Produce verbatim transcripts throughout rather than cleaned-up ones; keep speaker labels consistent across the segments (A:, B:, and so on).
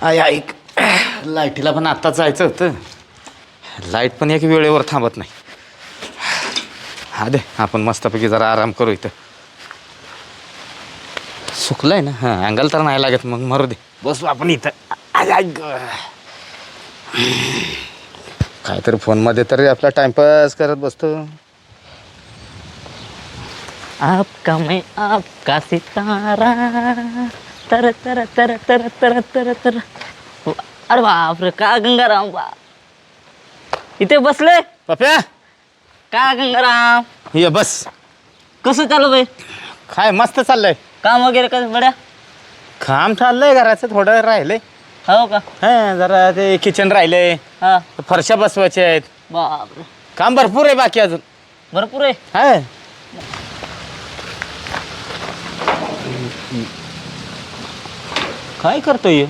A: I ऐक लाईटीला पण आत्ताच जायचं होतं. लाईट पण एक वेळेवर थांबत नाही. हा दे आपण मस्तपैकी जरा आराम करू. इथं सुकलंय ना. हां अँगल तर नाही लागत मग मरू दे. बसू आपण इथं. आय ऐक काहीतरी फोनमध्ये तरी आपला टाइमपास करत बसतो.
B: आपका मैं आपका सितारा तर तर तर तर तर तर तर अरे बाप रे का गंगाराम बा इथे बसले
A: पप्या
B: का गंगाराम
A: ये बस.
B: कसं चालू बाई
A: काय मस्त चाललंय.
B: काम वगैरे कसं बड्या
A: काम चाललंय घराचं थोडं राहिलंय.
B: हो का
A: हां जरा ते किचन राहिलंय.
B: हा
A: फरशा बसवायच्या आहेत.
B: बाप रे
A: काम भरपूर आहे बाकी अजून.
B: भरपूर आहे
A: हाय काय करतोय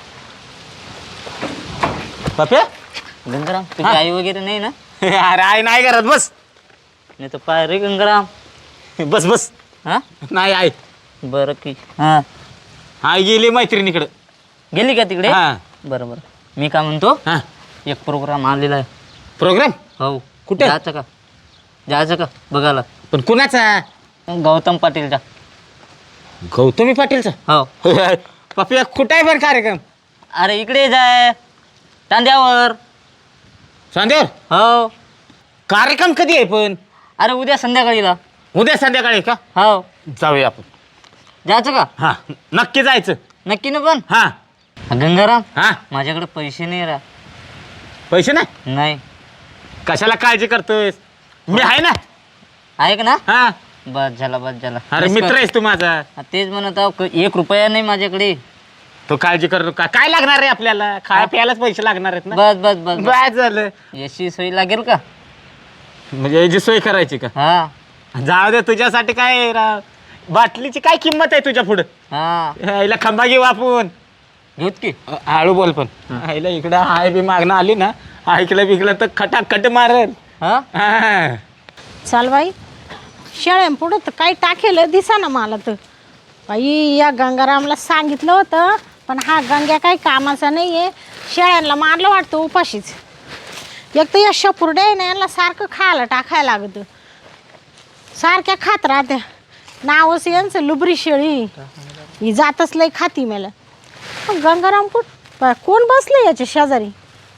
A: पप्या.
B: गंगाराम तुझी
A: हा.
B: आई वगैरे नाही ना
A: अरे आई नाही करत. बस
B: नाही तर पाय रे गंगाराम
A: बस बस.
B: हा
A: नाही आई
B: बरं की हा
A: आई गेली मैत्रिणीकडं.
B: गेली का तिकडे
A: हा
B: बरं बरं मी काय म्हणतो
A: हा
B: एक प्रोग्राम आलेला आहे.
A: प्रोग्राम
B: हो
A: कुठे?
B: जायचं का जायचं का बघायला
A: पण कुणाचा?
B: गौतम पाटीलचा
A: गौतमी पाटीलचा.
B: हो
A: पप्या कुठे आहे पण कार्यक्रम?
B: अरे इकडे जाय तांद्यावर
A: संध्यावर
B: हो
A: कार्यक्रम कधी आहे पण?
B: अरे उद्या संध्याकाळीला
A: उद्या संध्याकाळी का?
B: हो
A: जाऊया आपण.
B: जायचं का
A: हा नक्की जायचं.
B: नक्की ना पण
A: हा
B: गंगाराम
A: हा
B: माझ्याकडे पैसे नाही रा
A: पैसे नाही.
B: नाही
A: कशाला काळजी करतोयस? मी आहे ना.
B: ऐक ना
A: हा
B: बस झाला बस झाला
A: अरे
B: बस
A: मित्र
B: कर.
A: आहेस तू माझा.
B: हा, तेच म्हणत आहो क- एक रुपया नाही माझ्याकडे.
A: तो काळजी करू नका. काय लागणार आहे आपल्याला? खाया प्यायलाच पैसे लागणार आहेत ना.
B: बस बस बस बस.
A: बस झालं.
B: याची सोय लागेल का?
A: म्हणजे याची सोय करायची का?
B: हा
A: जाऊ दे तुझ्यासाठी काय राव. बाटलीची काय किंमत आहे तुझ्या पुढं?
B: हा
A: आईला खंबा घेऊ आपण.
B: घेऊत की
A: अ, हळू बोल पण. आईला इकडं हाय बी मागणं आली ना ऐकलं बिकलं तर खटाखट मारेल.
B: हा
A: हा.
C: चाल बाई शेळ्या पुढं तर काही टाकेल दिसा ना मला तर. बाई या गंगारामला सांगितलं होतं पण हा गंग्या काही कामाचा नाही आहे. शेळ्यांना मारलं वाटतं उपाशीच. एक तर या शपुर्ड्या आहे ना यांना सारखं खायला टाकायला लागतं. सारख्या खात राहत्या. नावच यांचं लुबरी शेळी ही जातच लय खाती मला. गंगाराम कुठ बाय कोण बसलं याच्या शेजारी?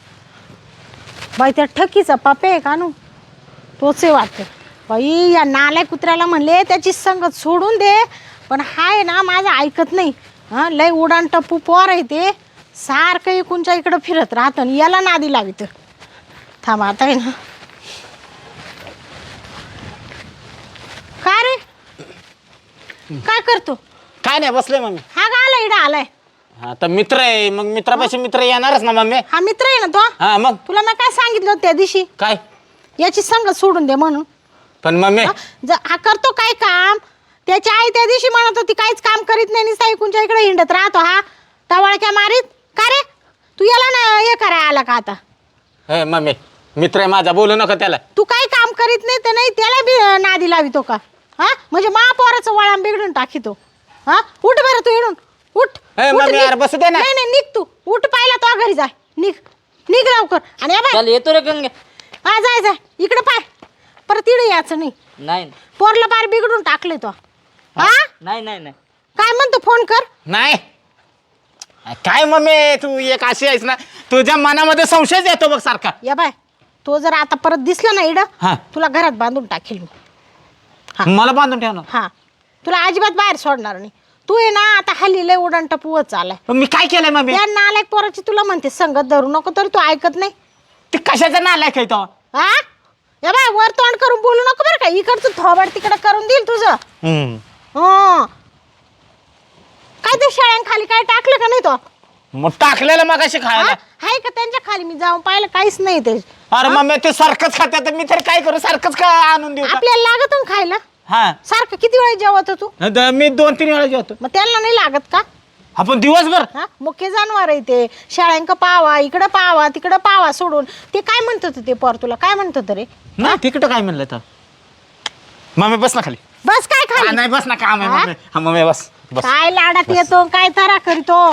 C: बाई त्या ठकीचा पप्पे आहे का नू तोच आहे वाटतं. बाई या नाल्या कुत्र्याला म्हणले त्याची संगत सोडून दे पण हाय ना माझं ऐकत नाही. हां लय उडान टप्पू पोर आहे ते. सारखं इकूनच्या इकडं फिरत राहतं आणि याला नादी लावित. थांब आता आहे ना. काय रे काय करतो?
A: काय नाही बसलोय मम्मी.
C: हा का आला इडा आलाय?
A: आता मित्र आहे मग मित्रापाशी मित्र येणारच ना मम्मी.
C: हा मित्र आहे ना तो?
A: हा मग
C: तुला मी काय सांगितलं होतं त्या दिवशी
A: काय?
C: याची संगत सोडून दे म्हणून.
A: पण मम्मी
C: हा ज- हा करतो काय काम? त्याची आई त्या दिवशी म्हणत होती काहीच काम करीत नाही निस्ता इकूनच्या इकडे हिंडत राहतो हा टवाळक्या मारीत. का रे तू याला ना हे करायला आला का आता?
A: हे मम्मी मित्र आहे माझा बोलू नका त्याला.
C: तू काही काम करीत नाही तर नाही त्याला बी अं, नादी लावितो का? हा म्हणजे महापौराचं वळण बिघडून टाकीतो. हा उठ बरं तू इडून उठ.
A: ए,
C: उठ,
A: मम्मी,
C: निघ.
A: यार, बसू दे ना.
C: नाही नाही निघ तू उठ पाहिला तो घरी जाय. निघ निघ लवकर. आणि या बाय
B: चल येतो रे गंगे
C: हा जाय जाय इकडे पाय परत इडे यायचं नाही.
B: नाही
C: पोरला पार बिघडून टाकले तो. हा
B: नाही नाही नाही
C: काय म्हणतो फोन कर.
A: नाही काय मम्मी तू एक अशी आहेस ना तुझ्या मनामध्ये संशयच येतो बघ सारखा.
C: या बाय तो जर आता परत दिसला ना इडं
A: हा.
C: तुला घरात बांधून टाकेल मी. हा.
A: मला बांधून ठेव ना.
C: हा तुला अजिबात बाहेर सोडणार नाही. तू आहे ना आता हल्ली लय उडण टपूवत चालाय.
A: पण मी काय केलंय मम्मी?
C: त्या नालायक पोराची तुला म्हणते संगत धरू नको तरी तू ऐकत नाही.
A: ते कशाचा नालायक आहे तो?
C: हा या बाय वर तोंड करून बोलू नको बरं का. इकडचं थोबाड तिकडं करून देईल तुझं.
A: हम्म.
C: हं. काय ते शाळांखाली काय टाकलं का नाही तो?
A: मग टाकलेलं मग अशी
C: हा?
A: खायला.
C: हाय का त्यांच्या खाली मी जाऊन पाहिलं काहीच नाही ते.
A: अरे मम्मी ते सारखंच खात्यात मी तर काय करू सारखंच का आणून देऊ का?
C: आपल्याला लागत ना खायला
A: हा
C: सारखं. किती वेळा जेवत तू?
A: द- मी दोन तीन वेळा जेवतो.
C: मग त्यांना नाही लागत का?
A: आपण दिवसभर
C: हा मुख्य जनावर आहे ते. शाळांक पावा इकडं पावा तिकडं पावा सोडून ते काय म्हणत होतं ते पोर तुला काय म्हणत होतं रे?
A: ना तिकडं काय म्हणलं तर मम्मी बस ना खाली.
C: बस काय
A: हा,
C: खाली?
A: नाही बस ना काम आहे
C: हा?
A: मम्मी. हा मम्मी बस बस
C: काय लाडात येतो काय तारा करीतो?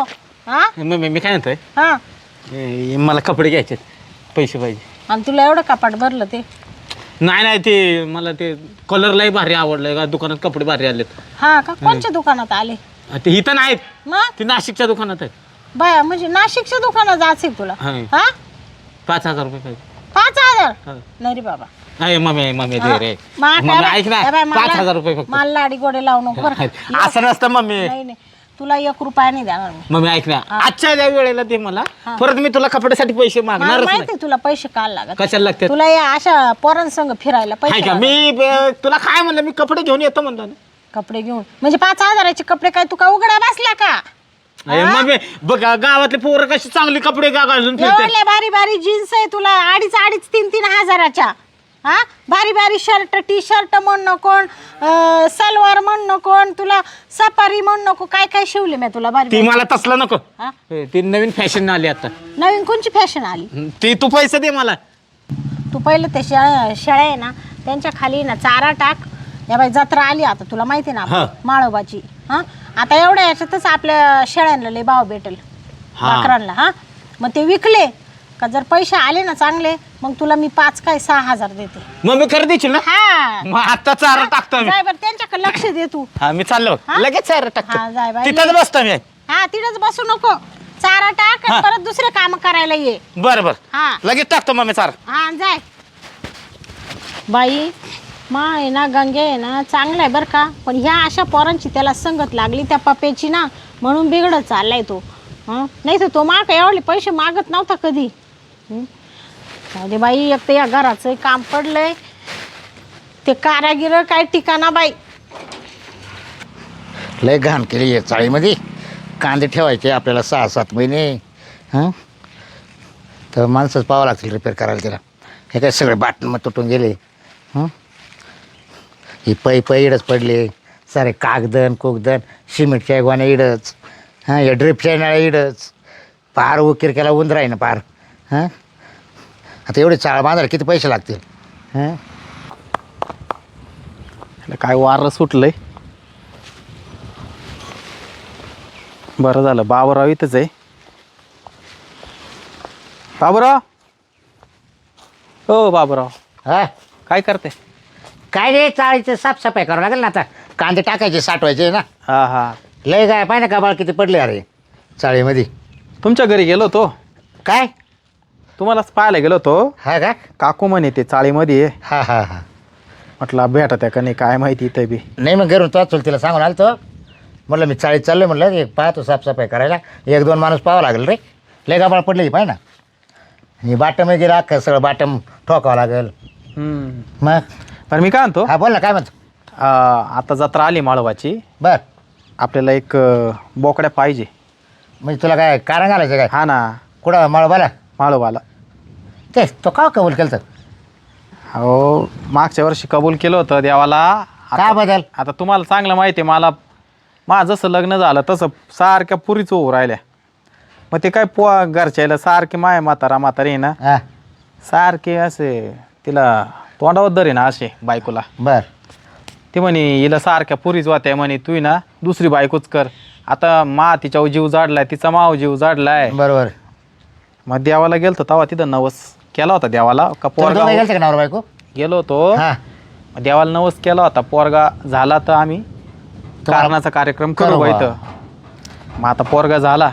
C: हा
A: मम्मी मी काय म्हणतोय
C: हा
A: ए, मला कपडे घ्यायचे पैसे पाहिजे.
C: आणि तुला एवढं कपाट भरलं ते
A: नाही नाही ते मला ते कलरलाही भारी आवडलंय का दुकानात कपडे भारी आलेत.
C: हा का कोणच्या दुकानात आले
A: ते इथं नाहीत
C: मग
A: ते नाशिकच्या दुकानात आहेत.
C: बाया म्हणजे नाशिकच्या दुकानात जायचं तुला
A: हा.
C: हा
A: पाच हजार रुपये पाहिजे.
C: पाच हजार
A: हा.
C: नाही रे बाबा
A: नाही मम्मी मम्मी दे रे
C: मा-
A: मम्मी
C: काय
A: ऐक ना
C: बाय- ए बाय,
A: पाच
C: मला-
A: हजार रुपये फक्त.
C: मला लाडी गोडे लावू नको बरं का?
A: असं नसतं मम्मी.
C: नाही नाही तुला एक रुपया नाही देणार मी
A: मम्मी ऐक ना आजच्या त्या वेळेला दे मला परत मी तुला कपड्यासाठी पैसे
C: मला
A: मागणारच नाही.
C: माहिती तुला पैसे काल लागत
A: कशाला लागतात
C: तुला या अशा पोरांसंग फिरायला
A: हाय
C: पैसे
A: का
C: लागत.
A: मी ब- तुला काय म्हणलं मी कपडे घेऊन येतो म्हणलं ना.
C: कपडे घेऊन म्हणजे पाच हजाराचे कपडे काय तू का उघडा बसला का
A: अरे मम्मी बघ गावातले पोरं कशी चांगली कपडे गा घालून फिरतात.
C: एवढ्या बारी बारी जीन्स आहे तुला अडीच अडीच तीन तीन हजाराच्या हा बारी बारी शर्ट टी शर्ट म्हण नको अं, सलवार म्हण नको तुला सफारी म्हण नको काय काय शिवले मी तुला बारी
A: ती
C: बारी.
A: मला तसलं नको
C: हा?
A: हे, ती नवीन फॅशन आली आता
C: नवीन कोणची फॅशन आली
A: ती तू पैसे दे मला.
C: तू पहिलं ते शेळ्या शेळ्या आहे ना त्यांच्या खाली ना चारा टाक या बाई जत्रा आली आता तुला माहिती आहे ना
A: हा.
C: आपली, माळोबाची हा आता एवढ्या याच्यातच आपल्या शेळ्यांना लय भाव भेटेल
A: हा.
C: बकरांना हा मग ते विकले का जर पैसे आले ना चांगले मग तुला मी पाच काय सहा हजार देते
A: मग मी कर देशील ना
C: हा
A: मग आता चारा टाकतो मी.
C: जाय बरं त्यांच्याकडे लक्ष दे तू
A: हा मी चाललो
C: हा?
A: लगेच चारा
C: हा, जाय
A: टाकतो
C: बाई.
A: तिथंच बसतो मी.
C: हा तिथंच बसू नको चारा टाक आणि
A: हा.
C: परत दुसरे काम करायला ये
A: बरं बरं
C: हा
A: लगेच टाकतो मग मी चारा.
C: हा जाय बाई मा आहे ना गंगे आहे ना चांगला आहे बरं का पण ह्या अशा पोरांची त्याला संगत लागली त्या पप्याची ना म्हणून बिघडत चाललाय तो हं नाही तर तो माग एवढे पैसे मागत नव्हता कधी हं? जाऊ दे बाई एक तर या घराचं काम पडलंय ते कारागिर काय ठिकाणा बाई
D: लय घाण केली आहे चाळीमध्ये. कांदे ठेवायचे आपल्याला सहा सात महिने हां तर माणसंच पाहावं लागतील रिपेअर करायला त्याला. हे काय सगळे बाटण मग तुटून गेले हं ही पै पै इडच पडले सारे कागदन कोगदन सिमेंटच्या गोण्या इडच हां या ड्रिपच्या नळ्या इडच पार उकीर केला उंदरा आहे ना पार हां आता एवढे चाळ बांधायला किती पैसे लागतील हां
E: काय वारं सुटलंय. बरं झालं बाबूराव इथंच आहे. बाबूराव हो बाबूराव
D: हां
E: काय करते.
D: काय रे चाळीचं साफसफाई करावं लागेल ना आता. कांदे टाकायचे साठवायचे ना.
E: हा हा
D: लय काय पाहिजे ना कबाळ किती पडले अरे चाळीमध्ये.
E: तुमच्या घरी गेलो होतो
D: काय
E: तुम्हालाच पाहायला गेलो होतो.
D: हा का
E: काकू म्हणे ते चाळीमध्ये आहे.
D: हा हा हा
E: म्हटलं भेटा त्या का नाही काय माहिती इथं बी.
D: नाही मग घरून तो चल तिला सांगून आलो तो म्हटलं मी चाळीत चाललो म्हटलं एक पाहतो साफसफाई करायला एक दोन माणूस पाहावं लागेल रे. लय कबाळ पडले पाहिजे ना. आणि बाटम गेलं अख्खं सगळं बाटम ठोकावं लागेल
E: हम्म.
D: मग.
E: पण मी काय म्हणतो
D: हा बोल ना काय म्हणतो.
E: आ, आता जत्रा आली माळवाची
D: बर
E: आपल्याला एक अ, बोकड्या पाहिजे.
D: म्हणजे तुला काय कारण घालायचं काय
E: हा ना
D: कुठं मळबाला
E: माळवाला.
D: तेच तो का कबूल केलं तर
E: हो मागच्या वर्षी कबूल केलं होतं देवाला.
D: काय
E: आता
D: बदल
E: आता तुम्हाला चांगलं माहिती आहे मला माझं जसं लग्न झालं तसं सारख्या पुरीच होऊ राहिल्या. मग ते काय पो घरच्याला सारखे माय म्हातारा म्हातारी आहे ना
D: हा
E: सारखे असे तिला तोंडावर दर आहे ना असे बायकोला.
D: बर
E: ती म्हणे हिला सारख्या पुरीच वात्या म्हणे तू ना दुसरी बायकोच कर. आता मा तिच्यावर जीव जाडलाय तिचा माव जीव जाडलाय.
D: बरोबर.
E: मग देवाला गेलतो तेव्हा तिथं नवस केला होता देवाला का
D: पोरगा
E: पोरगा
D: गेलते का नवरा बायको.
E: गेलो होतो
D: हा
E: मग देवाला नवस केला होता पोरगा झाला तर आम्ही कारणाचा कार्यक्रम करू
D: करू
E: बा
D: बा.
E: इथं. मग आता पोरगा झाला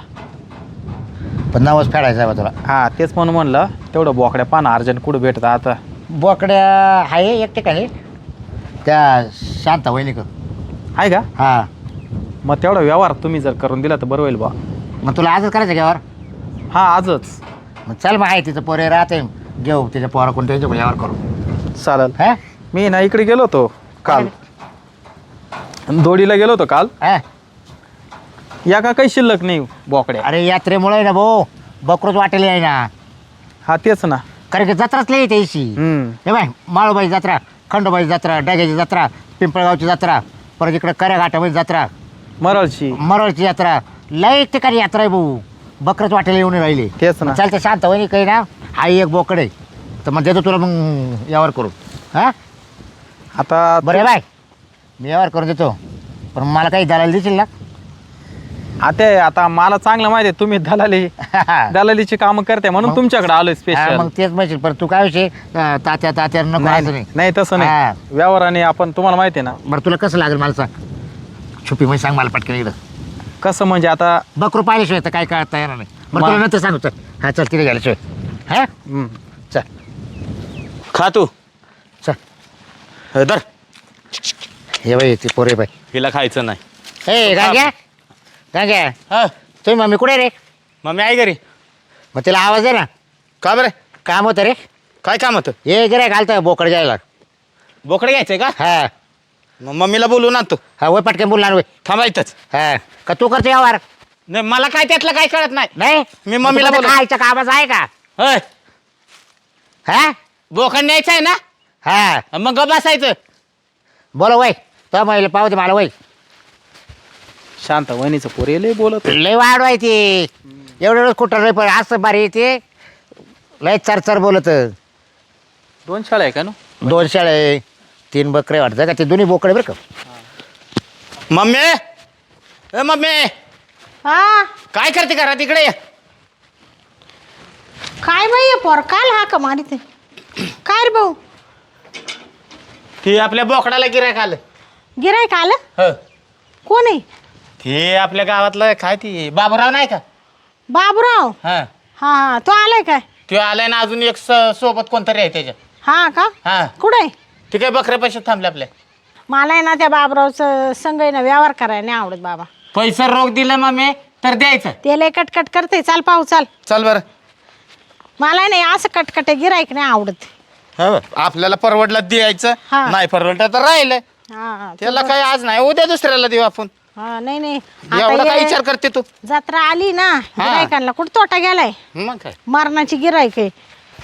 D: पण नवस फेडायचा आहे बा तुला.
E: हा तेच म्हणून म्हणलं तेवढं बोकड्या पाना अर्जंट कुठं भेटतं आता.
D: बोकड्या आहे एक ठिकाणी त्या शांता वहिनीक.
E: आहे का
D: हा
E: मग तेवढा व्यवहार तुम्ही जर करून दिला तर बरं होईल बा.
D: मग तुला आजच करायचं घ्यावर.
E: हा आजच
D: मग चल मग आहे तिचं पोरे राहते घेऊ त्याच्या पोरा कोण त्यांच्या घ्यावर करू.
E: चालेल.
D: हा
E: मी ना इकडे गेलो होतो काल दोडीला गेलो होतो काल.
D: हा
E: या का काही शिल्लक नाही बोकड्या.
D: अरे यात्रेमुळे ना भाऊ बकरूच वाटेल आहे ना.
E: हा तेच ना.
D: कारण की जत्राच लई त्याशी.
E: हम्म.
D: हे बाय माळोबाई जत्रा खंडोबाई जत्रा डाग्याची जत्रा पिंपळगावची जत्रा परत इकडे कऱ्याघाटामध्ये जत्रा
E: मरळची
D: मरळची यात्रा लई ठिकाणी यात्रा आहे भाऊ. बकरच वाटेल येऊन राहिले.
E: तेच ना.
D: चालतं शांत वहिनी काही ना हा एक बोकडे तर मग देतो तुला मग यावर करू. हा
E: आता
D: बरं आहे बाय मी यावर करून देतो पण मला काही दलाल देशील ना.
E: आता आता मला चांगलं माहिती आहे तुम्ही दलाली दलालीची कामं करते म्हणून तुमच्याकडे आलोय
D: हा,
E: स्पेशल.
D: मग तेच माहिती पण तू काय विषय अं, तात्या तात्या नको असं नाही.
E: नाही तसं
D: हा.
E: नाही व्यवहाराने आपण तुम्हाला माहिती आहे ना
D: बरं तुला कसं लागेल मला सांग छुपी म्हणजे सांग मला पटकन इकडं
E: कसं म्हणजे आता
D: बकरू पाहिल्याशिवाय तर काय कळत येणार नाही बरं
E: मा-
D: तुला नंतर सांगू चल हा चल तिथे गेल्याशिवाय हा
E: हम्म.
D: चल
A: खा तू
D: चल
A: हे धर.
D: हे बाई ती पोरे बाई
A: हिला खायचं नाही.
D: ए गांग्या गांग्या
A: हा
D: तुम्ही मम्मी कुठे रे
A: मम्मी आहे घरी.
D: मग तिला आवाज दे ना
A: का बरं
D: काम होतं रे
A: काय काम होतं.
D: ये गिऱ्हाईक घालतं बोकड जायला
A: बोकडे घ्यायचंय का.
D: हा
A: मग मम्मीला बोलून आणतो.
D: हा वय पटकन बोलणार वय
A: थांबायचंच
D: हा का तू करतो व्यवहार
A: नाही मला काय त्यातलं काय कळत नाही.
D: नाही
A: मी मम्मीला
D: मग तुला
A: बोलव-
D: खायचं कामच आहे का
A: होय
D: हा
A: बोकड न्यायचं आहे ना
D: हा
A: मग गप बसायचं.
D: बोलो वय तो महिला पाहू दे मला वय
E: शांत वहिनीचं पोरे लय बोलत
D: लय वाढवाय ती एवढं एवढं कुठं रे पण असं बारी ते लय चर चर बोलत
E: दोन शाळा आहे का ना.
D: दोन शाळे तीन बकरे वाटतं का ते दोन्ही बोकडे बरं का
A: मम्मी ए मम्मी
C: हा
A: काय करते घरात इकडे ये.
C: काय बाई हे पोर काल हा का मारित काय रे भाऊ
A: ती आपल्या बोकडाला गिरायक आलं.
C: गिरायक आलं
A: हो
C: कोण आहे
A: ते आपल्या गावातलं काय ती बाबूराव नाही का.
C: बाबूराव
A: हा
C: हा हा तो आलाय काय
A: ते आलाय ना अजून एक स- सोबत कोणतरी आहे त्याच्या.
C: हा का
A: हा
C: कुठं आहे
A: ते काय बकऱ्या पैसे थांबले आपल्या.
C: मला आहे ना त्या बाबरावचं संग आहे ना व्यवहार करायला नाही आवडत बाबा
A: पैसा रोख दिला मम्मी तर द्यायचं.
C: ते लय कटकट करते चाल पाहू चाल
A: चल बरं.
C: मला आहे नाही असं कटकटे गिरायक नाही आवडत
A: हो आपल्याला परवडला द्यायचं
C: हा.
A: नाही परवडलं तर राहिलं.
C: हा हा
A: त्याला काय आज नाही उद्या दुसऱ्याला देऊ आपण.
C: हा नाही नाही
A: एवढा
C: आता
A: काय
C: ये-
A: विचार करते तू.
C: जत्रा आली ना गिरायकांना कुठं तोटा गेलाय
A: मग काय
C: मरणाची गिरायक आहे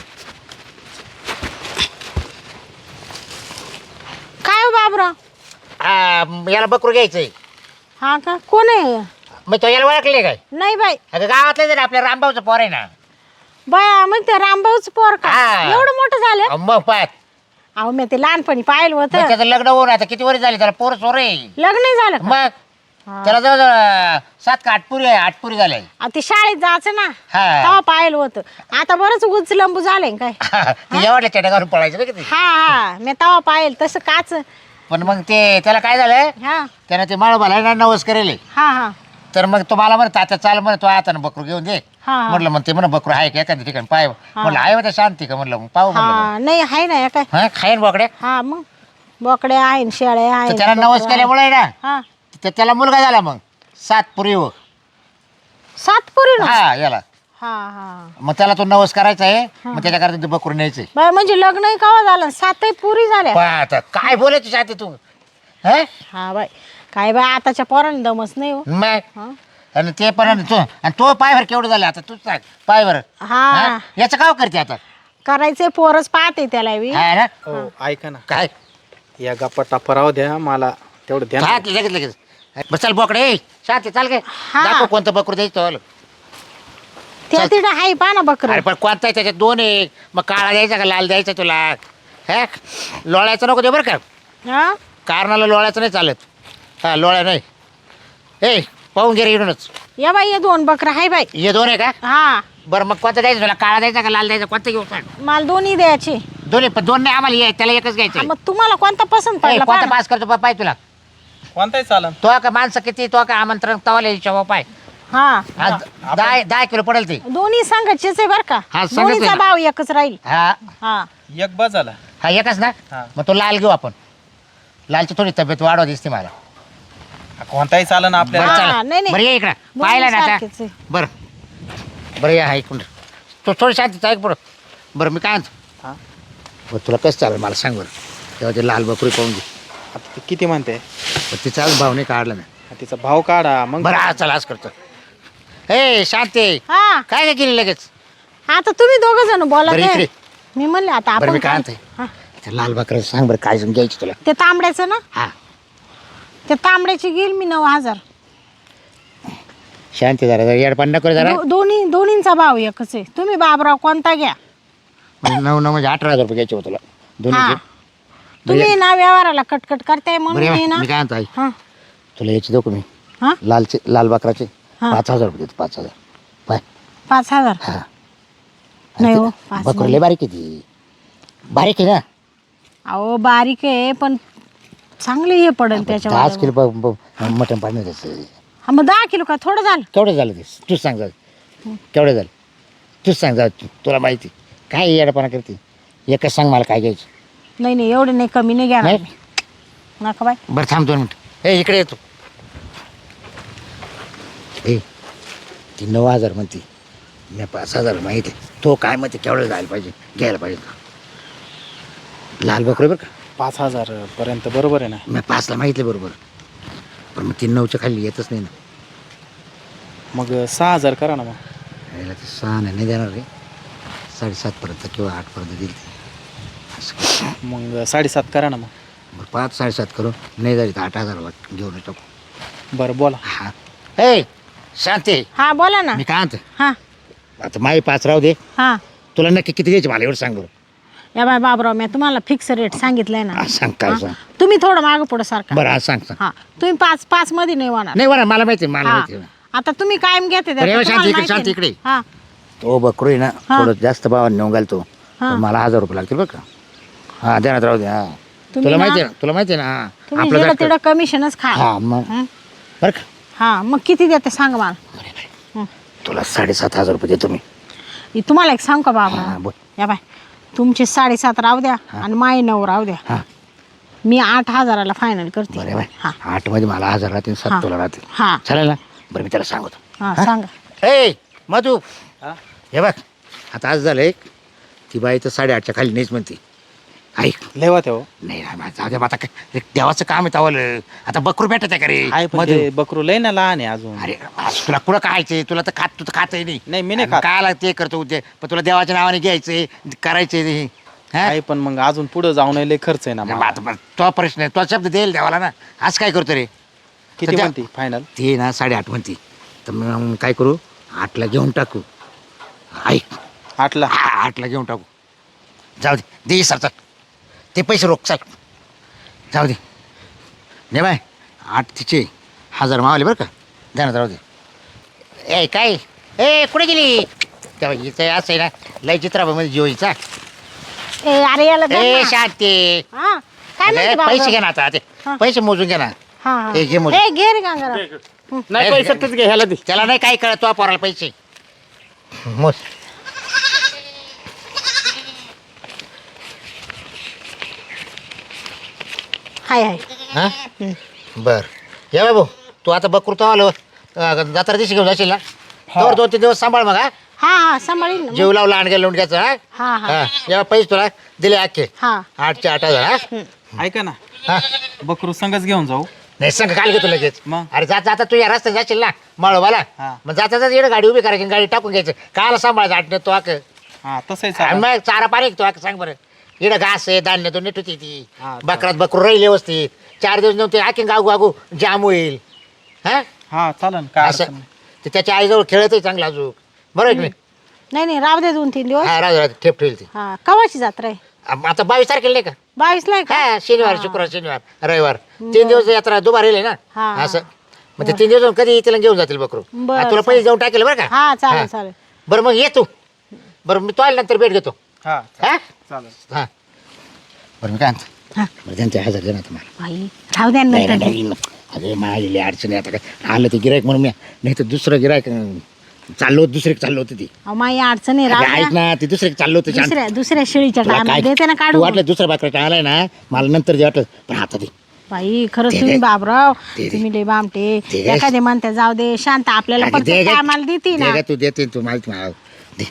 C: काय हो बाबराव
D: हा याला बकरू घ्यायचंय
C: हा का कोण आहे
D: मग तो याला ओळखले काय
C: नाही बाई
D: अगं गावातले जर आपल्या रामभाऊचं पोर आहे ना
C: बाया मग ते रामभाऊच पोर का
D: हा.
C: एवढं मोठं झालं
D: अं, मग पाहत
C: अहो मी ते लहानपणी पाहिलं
D: मग
C: होतं
D: त्याचं लग्न होऊन आता किती वर्ष झाली त्याला पोर सोर आहे
C: लग्न नाही झालं का?
D: मग त्याला जवळजवळ सात का आठपुरी आहे आठपुरी झाले
C: अहो, ते शाळेत जायचं ना
D: हा.
C: तेव्हा पाहिलं होतं आता बरंच उचलंबू झालंय काय
D: ते एवढल्या चेट्या घालून पळायचं बघ ते
C: हा हा मी तेव्हा पाहिलं तसं काच
D: पण मग ते त्याला काय झालं
C: हा
D: त्यानं ते माळोबाला ना नवस करेल
C: हा हा
D: तर मग तो मला म्हणत आता चाल म्हणत तो आता बकरू घेऊन दे
C: हा, हा.
D: म्हटलं मग ते म्हणा बकरू आहे का एखाद्या ठिकाणी पाय म्हटलं आहे होत्या शांती का म्हटलं मग पाहू म्हटलं
C: हा नाही आहे ना या काय
D: हा खाईन बोकड्या
C: हा मग बोकडे आहे न शेळे
D: तर
C: आहे
D: त्याला नवस केल्यामुळे ना
C: हा
D: तर त्याला मुलगा झाला मग सात पुरी हो
C: सातपुरी ना
D: हा याला
C: हा हा
D: मग त्याला तो नवस करायचा आहे मग त्याच्याकरता ते बकरू न्यायचंय
C: बाय म्हणजे लग्नही कवा झालं सातही पुरी झाल्या
D: पण आता काय बोलायची शांती तू हा
C: हा बाय काय बाय आताच्या पोरांनी दमच नाही हो
D: मग
C: हा.
D: आणि ते पण तो आणि तो पायवर केवढं झालं आता तूच सांग पायवर
C: हा
D: याचं काय करते आता
C: करायचे पोरच पाहते त्याला बी
D: हा ना
E: हो ऐका ना
D: काय
E: या गप्पा टप्पा राहू द्या मला तेवढं द्या ना.
D: हा, लगेच लगेच बस चल बोकडे ए, शांती चाल काय
C: हा.
D: दाखव कोणतं बकरू द्यायचं तो.
C: त्या तिथं आहे पहा ना बकर
D: अरे पण कोणता आहे त्याच्यात दोन आहे मग काळा द्यायचा का लाल द्यायचा तुला हे लोळ्याचं नको दे बरं का
C: हा
D: कारणाला लोळ्याचं नाही चालत हा लोळ्या नाही ए पाहून घे रे इकडूनच
C: या बाई हे दोन बकर आहे बाई
D: हे दोन आहे का
C: हा
D: बरं मग कोणतं द्यायचं तुला काळा द्यायचा का लाल द्यायचा कोणतं घेऊ सांग
C: मला दोन्ही द्यायचे
D: दोन्ही पण दोन नाही आम्हाला ये त्याला एकच घ्यायचं
C: हा, मग तुम्हाला कोणता पसंत पडला
D: कोणता
C: पहा ना.
D: पास करतो पा- पाय तुला
E: कोणताही चालन
D: तो का माणसं किती तो का आमंत्रण तवाला यायच्या पाय
C: हा
D: हा, दहा दहा किलो पडेल ते
C: दोन्ही संघाचेच आहे बर का
D: हा, संघच
C: दोन्हीचा
D: आहे ना.
C: भाव एकच राहील
D: हा
C: हा
E: एक बस झाला
D: हा एकच ना
E: हा.
D: मग तो लाल घेऊ आपण लालची थोडी तब्येत वाढवा दिसते मला
E: कोणताही चालन
D: बरं
E: आपल्याला
C: हा,
D: चला
C: नाही, नाही.
D: बरं ये इकडं
C: दोन्ही
D: पाहिलं ना आता
C: सारखेच आहे.
D: बरं बरं या ऐकून तो थोडी शांतीचं ऐक बरं बरं मी काय म्हणतो
E: हा.
D: बरं तुला कसं चालेल मला सांग बरं तेव्हा ते लाल बकरी पाहून घे
E: आता ते किती म्हणते
D: बरं तिचा आज भाव नाही काढला मी
E: तिचा भाव काढा मग
D: बरं आज चला आज करतो हे शांती
C: हा
D: काय काय केली लगेच
C: आता तुम्ही दोघ जण बोला
D: बरं,
C: ते.
D: इकडे.
C: मी म्हणले आता
D: बरं
C: आपण
D: मी काय
C: काय-
D: म्हणते
C: हा.
D: त्या लाल बकऱ्याचं सांग बरं काय जण घ्यायची तुला
C: ते तांबड्याचं ना
D: हा
C: ते तांबड्याची घेईल मी नऊ हजार
D: शांती जरा जरा येडपान नको जरा
C: दो- दोन्ही दोन्हींचा भाव एकच आहे तुम्ही बाबराव कोणता घ्या
D: म्हणजे नऊ नऊ म्हणजे अठरा हजार रुपये घ्यायचे होते तुला
C: हा
D: दोन्ही
C: तुम्ही ना व्यवहाराला कटकट करताय म्हणून
D: बरं
C: मी ना
D: मी काय म्हणतो आई
C: हा
D: तुला याची देऊ का मी
C: हा
D: लालचे लाल बकराचे
C: हा.
D: पाच हजार रुपये देतो पाच हजार पाय
C: पाच हजार
D: हा
C: नाही हो पाच
D: बकरू
C: नाही.
D: लय बारीक आहे ती बारीक आहे ना
C: अहो बारीक आहे पण चांगले हे पडेल
D: दहाच
C: त्याच्यावर
D: किलो ब- ब- मटण पाणी त्याचं
C: हा मग दहा किलो का थोडं झालं
D: केवढं झालं ते तूच सांग जाऊ केवढं झालं तूच सांग जाऊ तू तुला माहिती काय येडपणा करते एकच सांग मला काय घ्यायचं
C: नाही नाही एवढे नाही कमी नाही घ्या
D: नाही
C: नका बाय
D: बरं थांब दोन मिनिट ए इकडे येतो ए ती नऊ हजार म्हणते मी पाच हजार माहिती तो काय म्हणते केवढं जायला पाहिजे घ्यायला पाहिजे लाल बकरे बरं का
E: पाच हजार पर्यंत बरोबर आहे ना
D: मी पाचला माहितलं बरोबर पण मग तीन नऊच्या खाली येतच नाही ना
E: मग सहा हजार करा ना मग
D: यायला ते सहा नाही देणार रे साडेसातपर्यंत किंवा आठपर्यंत देईल ते असं कर.
E: मग साडेसात करा ना मग
D: बरं पाच साडेसात करू नाही झाली तर आठ हजार वाट घेऊन टाकू
E: बरं बोला
D: हा ए शांती
C: हा बोला ना
D: मी काय म्हणतो
C: हा
D: आता माई पाच राहू दे
C: हा
D: तुला नक्की किती द्यायचे मला एवढं सांग बरं
C: या बाय बाबराव मी तुम्हाला फिक्स रेट सांगितलंय ना
D: हा, सांग काय
C: हा?
D: सांग
C: तुम्ही थोडं मागं पुढं सारखा
D: बरं आज सांग सांग
C: हा तुम्ही पाच पाच मध्ये नाही होणार
D: नाही बरं मला माहिती आहे, मला
C: हा
D: माहिती आहे.
C: आता तुम्ही कायम घेते
D: बरं, एवढं
C: त्याचं
D: शांती
C: तुम्हाला
D: इकडे, शांती
C: माहिती
D: इकडे.
C: आहे. हा
D: तो बकरू आहे ना
C: हा.
D: थोडं जास्त भावाने नेऊन घालतो
C: हा.
D: पण मला हजार रुपये लागतील बरं का हा देण्यात राहू दे हा
C: तुम्ही
D: तुला
C: ना-
D: माहिती आहे ना तुला माहिती आहे ना हा.
C: तुम्ही
D: आपलं
C: जेवढं
D: जास्त-
C: तेवढं कमिशनच खा
D: हा मग
C: हं?
D: बरं का
C: हा मग किती देते सांग मला
D: बरं, बरं.
C: हं.
D: तुला साडेसात हजार रुपये देतो मी
C: इ- तुम्हाला एक सांग का
D: हा
C: बाबा
D: बोल
C: या बाय तुमचे साडेसात राहू द्या आणि माय नऊ राहू द्या
D: हा
C: मी आठ हजाराला फायनल करते
D: बरं बाय
C: हा
D: आठ मध्ये मला हजार राहतील
C: हा.
D: सात तुला राहतील
C: हा
D: चालेल ना बरं मी त्याला सांगतो
C: हा सांगा
D: ए मधू
E: हा?
D: हे बघ आता आज झालं एक ती बाई तर साडेआठच्या खाली नाहीच म्हणते ऐक
E: लेवा ते हो
D: नाही ना माझं- जाऊ दे, आता काय देवाचं काम आहे तावलं आता बकरू भेटत आहे का रे
E: आहे पण
D: मधू
E: ते बकरू लय ना लहान आहे अजून
D: अरे आज तुला कुठं खायचंय तुला तर खात तू तर खातही नाही
E: नाही, मी नाही
D: आणि
E: खात.
D: काय लागते ते करतो उद्या पण तुला देवाच्या नावाने घ्यायचंय करायचंय ते. हा?
E: आहे पण मग अजून पुढे जाऊन लय खर्च आहे ना
D: नाही,
E: मला.
D: मग आता पण तो प्रश्न आहे तो शब्द देईल देवाला ना आज काय करतो रे
E: किती
D: सध्या-
E: म्हणती फायनल
D: ते ना साडेआठ म्हणते तर मग काय करू आठला घेऊन टाकू ऐक
E: आठला
D: हा आठला घेऊन टाकू जाऊ दे दे सर चल ते पैसे रोख चल जाऊ दे नाही बाय आठ तिचे हजार मावले बरं का जाणार जाऊ दे ए काय ए कुठे गेली तेव्हा हिचं असं आहे ना लय चित्राबामध्ये जीवईचा
C: ए अरे याला द्या
D: ए
C: ना.
D: शांती
C: हा काय म्हणते
D: अरे,
C: बाबा?
D: पैसे घे ना आता ते
C: हा.
D: पैसे मोजून घे ना
C: हा हा.
D: ए, घे मोजून.
C: ए घे रे गंगाराम
A: नाही पैसे तूच घे ह्याला दे
D: त्याला नाही काय कळत तो पोराला पैसे मोज
C: हाय हाय
D: हा बर ये बाबू तू आता बकरू तो आलो जात्रा दिवशी घेऊन जाशील ना तर दोन तीन दिवस सांभाळ मग हा
C: हा हा सांभाळीन ना.
D: जीव लावला आणग्या लोंडक्याचं हा
C: हा हा
D: हा या पैसे तुला दिले अख्खे
C: हा
D: आठचे आठ हजार हा
E: ऐका ना
D: हा
E: बकरू संगच घेऊन जाऊ
D: नाही सांग काल घेतो लगेच
E: मग?
D: अरे जाता जाता तू या रस्त्यात जाशील ना मळवाला
E: हा.
D: मग जाता जाता इकडे गाडी उभी करायची आणि गाडी टाकून घ्यायचं काल सांभाळायचं आठ तो आक
E: हा तसंही
D: आणि
E: चालेल.
D: मग चारा पाणी तो आक सांग बरं इकडे घास आहे धान्य तो नीट होती ती
E: हा,
D: बकरात बकरू राहील व्यवस्थित चार दिवस नव्हते आखीन गागू गागू जाम होईल हा
E: हा चालेल काय
D: असं
E: अडचण नाही.
D: ते त्याच्या आईजवळ खेळतही चांगला अजून बरोबर आहे की नाही?
C: नाही नाही राहू दे दोन तीन दिवस
D: हा राहू दे, राहू दे, ठेप ठेवली ती
C: हा कवाची जत्रा आहे
D: आम- आता बावीस तारखेला नाही का
C: बावीस ला आहे का
D: हा शनिवार शुक्रवार शनिवार रविवार तीन दिवस यात्रा दुबार येईल ना
C: हा, हा.
D: असं मग ते तीन दिवस कधी तिला घेऊन जातील बकरू
C: बरं,
D: हा, तुला पैसे जाऊन टाकेल बरं का
C: हा चालेल
D: हा.
C: चालेल
D: बरं मग ये तू बरं मी तो आल्या नंतर भेट घेतो
E: हा
D: हा
E: चालेल
D: हा बरं मी काय म्हणतो
C: हा.
D: बरं त्यांचे हजार दे ना तुम्हाला
C: बाई राहू द्या
D: नाही
C: नंतर
D: नाही, नाही अरे माझी अडचणी आता काय आलं ते गिरायक म्हणून मी नाही तर दुसरं गिरायक चाललो होतं दुसरे चाललो होतं ती
C: अहो माई अडचण आहे
D: अरे
C: राहू
D: ऐक
C: द्या
D: ना ती दुसरे चाललो होतं शांत.
C: दुसऱ्या दुसऱ्या शेळीच्या
D: तुला
C: टायमाला
D: काय
C: देते ना
D: तू
C: काढून
D: वाटलं दुसरा बाकरा आलाय ना मला नंतर जे वाटलं पण आता दे
C: बाई खरंच
D: दे,
C: तुम्ही
D: दे.
C: बाबराव
D: दे, दे.
C: तुम्ही लय बामटे
D: दे, दे.
C: एखादे म्हणते जाऊ दे शांत आपल्याला
D: अगं, दे
C: प्रत्येक
D: गं.
C: टायमाला देते
D: दे
C: ना
D: गं, तू देते तू माहिती मला दे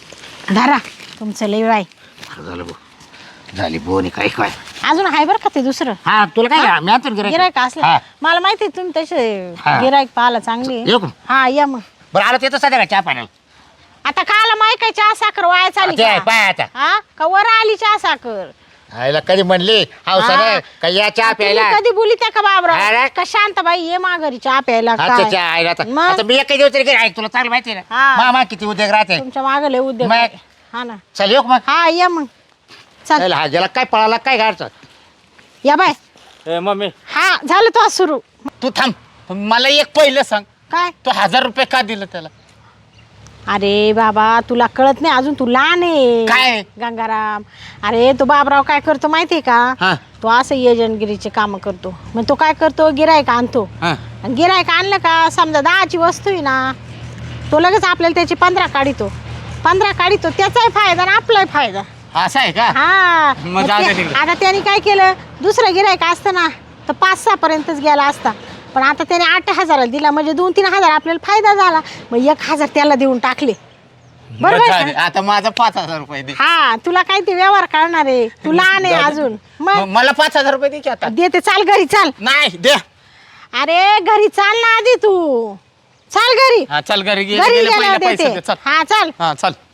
C: धरा तुमचं लय बाई
D: बरं झालं भाऊ झाली बोनी काय काय
C: अजून आहे बरं का ते दुसरं
D: हा तुला काय मी आणतो गिरायक
C: गिरायक असलं
D: हा.
C: मला माहिती आहे तुम्ही तसे
D: हा.
C: गिरायक पाहायला चांगली
D: येऊ का?
C: हा या मग
D: बरं आलं ते तर सध्या चहा पाण्याला
C: आता काला माय काय चहा साखर वाया चाली
D: ते आहे,
C: का?
D: पाय आता
C: हा का वर आली चहा साखर
D: आईला कधी म्हणली हौसानं
C: हा.
D: का या चहा
C: तुम्ही
D: प्यायला
C: कधी बोली त्या का
D: अरे.
C: बाबराव का शांत बाई ये माघारी चहा प्यायला
D: अच्छा
C: काय
D: अच्छा आईला आता
C: मग?
D: आता मी एकही दिवस तरी घरी ऐक तुला चांगलं माहिती आहे
C: हा.
D: ना मामा किती उद्योग राहते
C: तुमच्या मागे लय उद्योग
D: मग?
C: आहे. हा ना
D: चल येऊ का मग
C: हा या मग चल
D: चल, हा गेला काय पळाला काय गाडचा
C: या बाय
A: ए मम्मी
C: हा झालं तो सुरू
E: तू थांब पण मला एक पहिलं सांग
C: काय
A: तो हजार रुपये का दिलं त्याला?
C: अरे बाबा तुला कळत नाही अजून, तू लहान आहे
A: काय?
C: गंगाराम. अरे तो बाबराव काय करतो माहितीये का?
A: हा
C: तो असं एजंटगिरीचे काम करतो. मग तो काय करतो, गिरायक आणतो.
A: हा
C: आणि गिरायक आणलं का समजा दहाची वस्तू आहे ना, तो लगेच आपल्याला त्याची पंधरा काढितो. पंधरा काढितो, त्याचाही फायदा आणि आपलाही फायदा.
A: असं आहे का?
C: हा
A: मग
C: मग
A: जाऊ दे
C: ते-
A: तिकडे.
C: आता त्याने काय केलं, दुसरं गिरायक असतं ना तर पाच सहा पर्यंतच गेला असता, पण आता त्याने आठ हजाराला दिला म्हणजे दोन तीन हजार आपल्याला फायदा झाला. मग एक हजार त्याला देऊन टाकले. बरोबर
A: बरं,
C: आहे
A: जाऊ दे. आता माझा पाच हजार रुपये दे.
C: का? हा तुला काय ते व्यवहार करणार आहे, तू लहान आहे
A: जाऊ दे.
C: अजून.
A: मग
C: मग
A: मला पाच हजार रुपये दे की आता.
C: देते, चाल घरी चाल.
A: नाही दे.
C: अरे घरी चाल ना आधी तू, चाल घरी.
A: हा चल घरी गे-
C: घरी
A: गेले
C: गेल्यावर
A: पहिले पैसे
C: देते.
A: दे चल.
C: हा चाल.
A: हा चल.